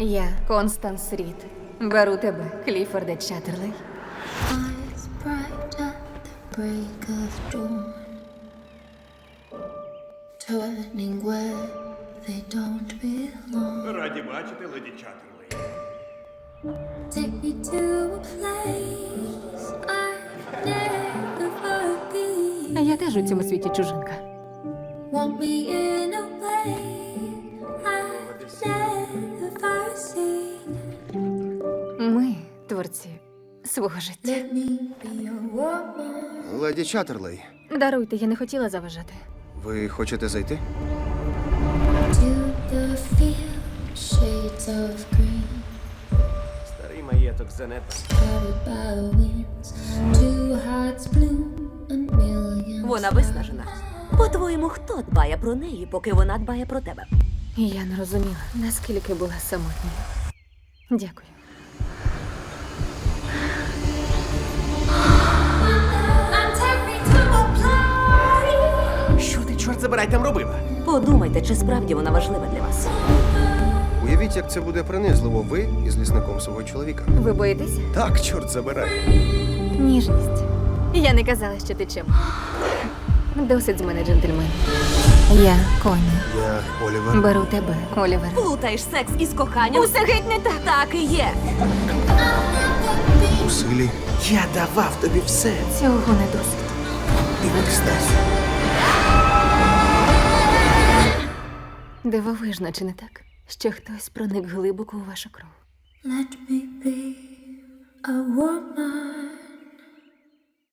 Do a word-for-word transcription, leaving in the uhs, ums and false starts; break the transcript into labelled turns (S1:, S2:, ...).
S1: Я Констанс Рід. Беру тебе, Кліфорде Чаттерлей.
S2: Eyes bright at the break of dawn, turning where they don't belong.
S3: Раді бачити, леді Чаттерлей.
S2: Take me to a place I've never been.
S1: Я теж у цьому світі чужинка.
S2: Want me in a way I've never seen.
S1: Ми творці свого життя.
S2: Let me be a woman.
S4: Леді Чаттерлей,
S1: Даруйте, я не хотіла заважати.
S4: ви хочете зайти?
S2: To the field, shades of green,
S3: Старий маєток занепад.
S2: carried by the winds. Two hearts bloom and millions.
S5: Вона виснажена. По-твоєму, хто дбає про неї, поки вона дбає про тебе?
S1: І я не розуміла, наскільки була самотньою. Дякую.
S2: And take me to a place.
S3: Що ти, чорт забирай, там робила?
S5: Подумайте, чи справді вона важлива для вас.
S4: Уявіть, як це буде принизливо ви із лісником свого чоловіка.
S1: Ви боїтеся?
S4: Так, чорт забирай.
S1: Ніжність. Я не казала, що ти чим. Досить з мене, джентльмен. Я Коні.
S4: Я Олівер.
S1: Беру тебе, Олівер.
S5: Плутаєш секс із коханням?
S1: Усе геть не так.
S5: Так і є.
S4: У силі.
S3: Я давав тобі все.
S1: Цього не досить.
S3: Ти в екстазі.
S1: Дивовижно, чи не так? Що хтось проник глибоко у вашу кров.
S2: Let me be a woman.